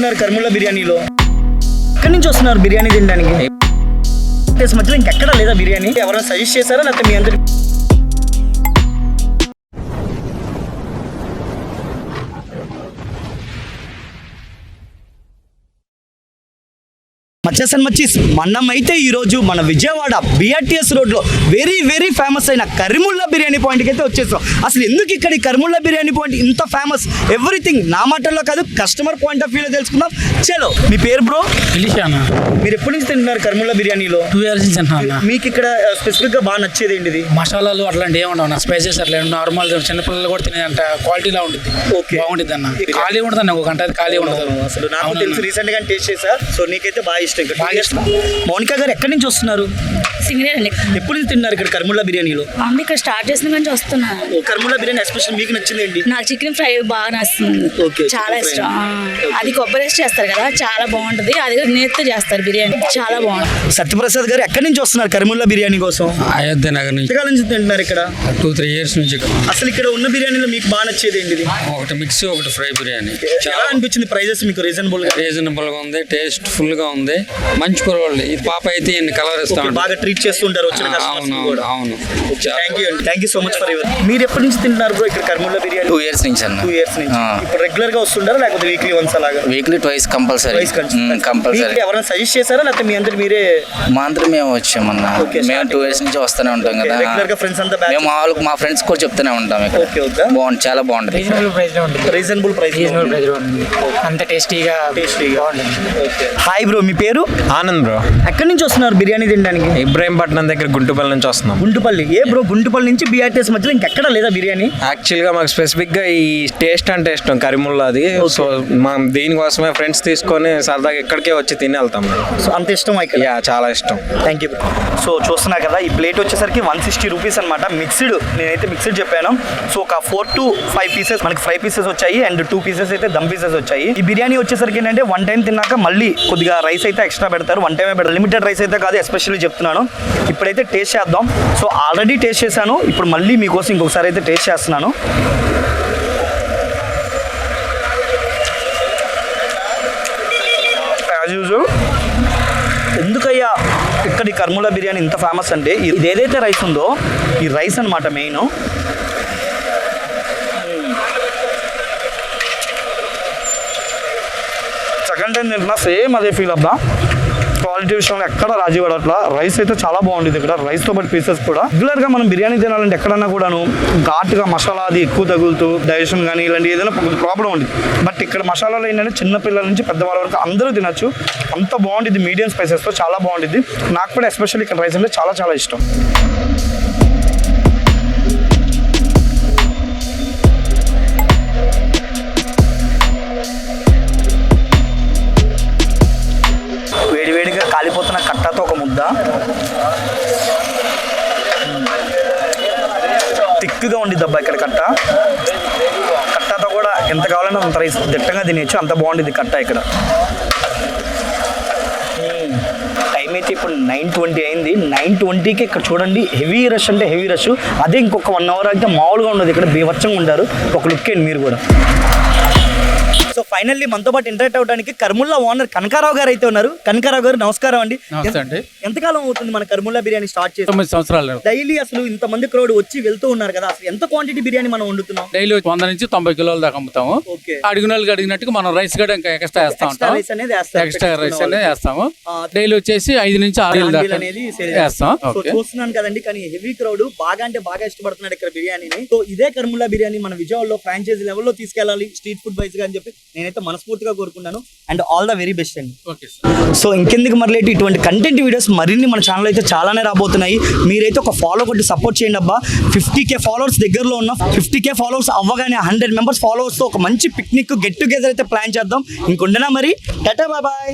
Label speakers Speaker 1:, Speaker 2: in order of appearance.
Speaker 1: తింటున్నారు కర్ముల్లా బిర్యానీలో? ఎక్కడి నుంచి వస్తున్నారు బిర్యానీ తినడానికి? మధ్యలో ఇంకెక్కడ లేదా బిర్యానీ? ఎవరైనా సజెస్ట్ చేశారా లేకపోతే మీ అందరి? మనం అయితే ఈరోజు మన విజయవాడ బిఆర్టీఎస్ రోడ్లో వెరీ ఫేమస్ అయిన కర్ముల్లా బిర్యానీ పాయింట్కి అయితే వచ్చేసాం. అసలు ఎందుకు ఇక్కడ ఈ కర్ముల్లా బిర్యానీ పాయింట్ ఇంత ఫేమస్, ఎవ్రీథింగ్ నా మాటల్లో కాదు కస్టమర్ పాయింట్ ఆఫ్ వ్యూలో తెలుసుకుందాం. చలో, మీ పేరు బ్రో? మీరు ఎప్పటి నుంచి తింటున్నారు కర్ముల్లా బిర్యానీలో?
Speaker 2: 2 years నుంచి తింటున్నా.
Speaker 1: మీకు ఇక్కడ స్పెసిఫిక్గా బాగా నచ్చేది ఏంటిది?
Speaker 2: మసాలాలు అట్లాంటి ఏముండవు, స్పైసెస్ అట్లా నార్మల్ చిన్నపిల్లలు కూడా తినేంత క్వాలిటీలా ఉంటుంది.
Speaker 1: ఓకే,
Speaker 2: బాగుంటుంది అన్న. ఖాళీ ఉంటుంది అన్న, ఒక గంట ఖాళీ ఉండదు.
Speaker 1: అసలు నాకు తెలుసు, రీసెంట్ గా టేస్ట్ చేసా. సో నీకైతే బాగా ఇష్టం. మౌనిక గారు ఎక్కడి నుంచి వస్తున్నారు?
Speaker 3: సింగరేణి.
Speaker 1: ఎప్పుడు నుంచి తిన్నారు ఇక్కడ కర్ముల్లా బిర్యానీలో?
Speaker 3: మమ్మీ ఇక్కడ స్టార్ట్ చేసిన నుంచి వస్తున్నా.
Speaker 1: కర్ముల్లా బిర్యానీ ఎస్పెషల్ మీకు నచ్చింది ఏంటి?
Speaker 3: నాకు చికెన్ ఫ్రై బాగా నచ్చుతుంది. చాలా ఇష్టం. అది కొబ్బరి వేసి చేస్తారు కదా, చాలా బాగుంటది. అది నేతితో చేస్తారు బిర్యానీ, చాలా బాగుంటుంది.
Speaker 1: సత్యప్రసాద్ గారు ఎక్కడి నుంచి వస్తున్నారు కర్ముల్లా బిర్యానీ కోసం?
Speaker 2: అయోధ్య నగర్ నుంచి.
Speaker 1: ఎంతకాలం నుంచి తింటున్నారు ఇక్కడ?
Speaker 2: 2-3 years నుంచి.
Speaker 1: అసలు ఇక్కడ ఉన్న బిర్యానీలో మీకు బాగా నచ్చేది ఏంటిది?
Speaker 2: ఒకటి మిక్స్, ఒకటి ఫ్రై బిర్యానీ.
Speaker 1: ఎలా అనిపించింది? ప్రైజెస్ మీకు రీజనబుల్
Speaker 2: గా ఉంది, టేస్ట్ ఫుల్ గా ఉంది, మంచి కూరవాళ్ళు. ఇది పాప అయితే కలర్ ఇస్తాం,
Speaker 1: బాగా ట్రీట్ చేస్తుంటారు వచ్చిన
Speaker 2: అవును.
Speaker 1: Thank you so much for your. మీరు ఎప్పటి నుంచి తింటున్నారు బ్రో ఇక్కడ కర్ముల్లా బిర్యానీ?
Speaker 4: 2 years నుంచి అన్న.
Speaker 1: 2 years నుంచి. ఇప్పుడు రెగ్యులర్ గా వస్తుంటారా లేకపోతే వీక్లీ వన్స్ అలాగా?
Speaker 4: Weekly twice compulsory.
Speaker 1: ఎవరైనా సజెస్ట్ చేశారా లేకపోతే మీ అందరు మీరే?
Speaker 4: మా అందరూ మేము వచ్చామన్నా. మేము 2 years నుంచి వస్తూనే ఉంటాం కదా.
Speaker 1: రెగ్యులర్ గా ఫ్రెండ్స్ అంతా
Speaker 4: మేము మా ఫ్రెండ్స్ కూడా చెప్తూనే ఉంటాం ఇక్కడ. బాగుంది, చాలా బాగుంటుంది.
Speaker 1: రీజనబుల్ ప్రైస్,
Speaker 2: అంత టేస్టీగా.
Speaker 1: హాయ్ బ్రో, మీ పేరు?
Speaker 5: ఆనంద్ బ్రో.
Speaker 1: ఎక్కడి నుంచి వస్తున్నారు బిర్యానీ తినడానికి?
Speaker 5: ఇబ్రాహీంపట్నం దగ్గర గుంటుపల్లి నుంచి వస్తున్నాం.
Speaker 1: గుంటుపల్లి. ఏ బ్రో, గుంటుపల్లి నుంచి బిఆర్టీఎస్ మధ్యలో ఇంకెక్కడ లేదా బిర్యానీ?
Speaker 5: యాక్చువల్గా మాకు స్పెసిఫిక్గా ఈ టేస్ట్ అంటే ఇష్టం కరీముల్లాది. సో మనం దీనికోసమే ఫ్రెండ్స్ తీసుకొని సరదాగా ఇక్కడికే వచ్చి తిని వెళ్తాం.
Speaker 1: సో అంత ఇష్టం ఇక్కడ?
Speaker 5: యా, చాలా ఇష్టం.
Speaker 1: Thank you. సో చూస్తున్నా కదా, ఈ ప్లేట్ వచ్చేసరికి 160 రూపీస్ అనమాట. మిక్స్డ్, నేనైతే మిక్స్డ్ చెప్పాను. సో ఒక 4 to 5 పీసెస్ మనకి ఫ్రై పీసెస్ వచ్చాయి అండ్ 2 పీసెస్ అయితే దమ్ పీసెస్ వచ్చాయి. ఈ బిర్యానీ వచ్చేసరికి ఏంటంటే 1 time తిన్నాక మళ్ళీ కొద్దిగా రైస్ అయితే ఎక్స్ట్రా పెడతారు. 1 time పెడతారు, లిమిటెడ్ రైస్ అయితే కాదు, ఎస్పెషల్లీ చెప్తున్నాను. ఇప్పుడైతే టేస్ట్ చేద్దాం. సో ఆల్రెడీ టేస్ట్ చేశాను, ఇప్పుడు మళ్ళీ మీకోసం ఇంకొకసారి అయితే టేస్ట్ చేస్తున్నాను. As usual. ఎందుకయ్యా ఇక్కడ ఈ కర్ముల్లా బిర్యానీ ఇంత ఫేమస్ అంటే ఇది ఏదైతే రైస్ ఉందో ఈ రైస్ అనమాట మెయిన్. సెకండ్ టైం తింటున్నా సేమ్ అదే ఫీల్ అబ్బా. క్వాలిటీ విషయంలో ఎక్కడ రాజీ పడట్లా. రైస్ అయితే చాలా బాగుంటుంది ఇక్కడ, రైస్తో పాటు పీసెస్ కూడా. రెగ్యులర్గా మనం బిర్యానీ తినాలంటే ఎక్కడన్నా కూడాను ఘాటుగా మసాలా అది ఎక్కువ తగులుతూ డైజెషన్ కానీ ఇలాంటి ఏదైనా ప్రాబ్లం ఉంది. బట్ ఇక్కడ మసాలాలో ఏంటంటే చిన్నపిల్లల నుంచి పెద్దవాళ్ళ వరకు అందరూ తినచ్చు. అంత బాగుంటుంది, మీడియం స్పైసెస్తో చాలా బాగుంటుంది. నాకు కూడా ఎస్పెషల్లీ ఇక్కడ రైస్ అంటే చాలా ఇష్టం. వేడివేడిగా కాలిపోతున్న కట్టతో ఒక ముద్ద, థిక్గా ఉండిద్ది అబ్బా ఇక్కడ కట్టతో కూడా ఎంత కావాలన్నా అంత రైస్ దిట్టంగా తినేయచ్చు, అంత బాగుంటుంది కట్ట ఇక్కడ. టైం అయితే ఇప్పుడు 9:20 అయింది. 9:20కి ఇక్కడ చూడండి హెవీ రష్ అంటే హెవీ రష్. అదే ఇంకొక 1 hour అయితే మామూలుగా ఉండదు, ఇక్కడ బీభత్సంగా ఉంటారు. ఒక లుక్ ఏంటి మీరు కూడా. సో ఫైనల్లీ మనతో పాటు ఇంటరాక్ట్ అవడానికి కర్ముల్లా ఓనర్ కనకారావు గారు అయితే ఉన్నారు. కనకారావు గారు నమస్కారం అండి. ఎంతకాలం అవుతుంది మన కర్ముల్లా బిర్యానీ స్టార్ట్ చేసి?
Speaker 2: 9 సంవత్సరాలు.
Speaker 1: డైలీ అసలు ఇంతమంది క్రౌడ్ వచ్చి వెళ్తూ ఉన్నారు కదా, అసలు ఎంత క్వాంటిటీ బిర్యానీ మనం వండుతున్నాం?
Speaker 2: డైలీ 100 నుంచి 90 కిలోల దాకా అమ్ముతాము. అడిగిన వాళ్ళకి అడిగినట్టుగా మనం రైస్ కూడా ఇంకా ఎక్స్ట్రా వేస్తా ఉంటాం. ఎక్స్ట్రా రైస్ అనేది వేస్తాము. డైలీ వచ్చేసి 5 నుంచి 6 దాకా వేస్తాం.
Speaker 1: చూస్తున్నాను కదండి, కానీ హెవీ క్రౌడ్ బాగా అంటే బాగా ఇష్టపడుతున్నాడు ఇక్కడ బిర్యానీని. సో ఇదే కర్ముల్లా బిర్యానీ మన విజయవాడలో ఫ్రాంచైజీ లెవెల్లో తీసుకెళ్ళాలి స్ట్రీట్ ఫుడ్ వైజ్ గా అని చెప్పి నేనైతే మనస్ఫూర్తిగా కోరుకున్నాను. And all the very best అండి. సో ఇంకెందుకు మరలేటి ఇటువంటి కంటెంట్ వీడియోస్ మరిన్ని మన ఛానల్ అయితే చాలానే రాబోతున్నాయి. మీరైతే ఒక ఫాలో కొట్టి సపోర్ట్ చేయండి అబ్బా. 50K ఫాలోవర్స్ దగ్గరలో ఉన్న 50K ఫాలోవర్స్ అవ్వగానే 100 members ఫాలోవర్స్తో ఒక మంచి పిక్నిక్ గెట్ టుగెదర్ అయితే ప్లాన్ చేద్దాం. ఇంకొండనా మరి, టాటా బాయ్.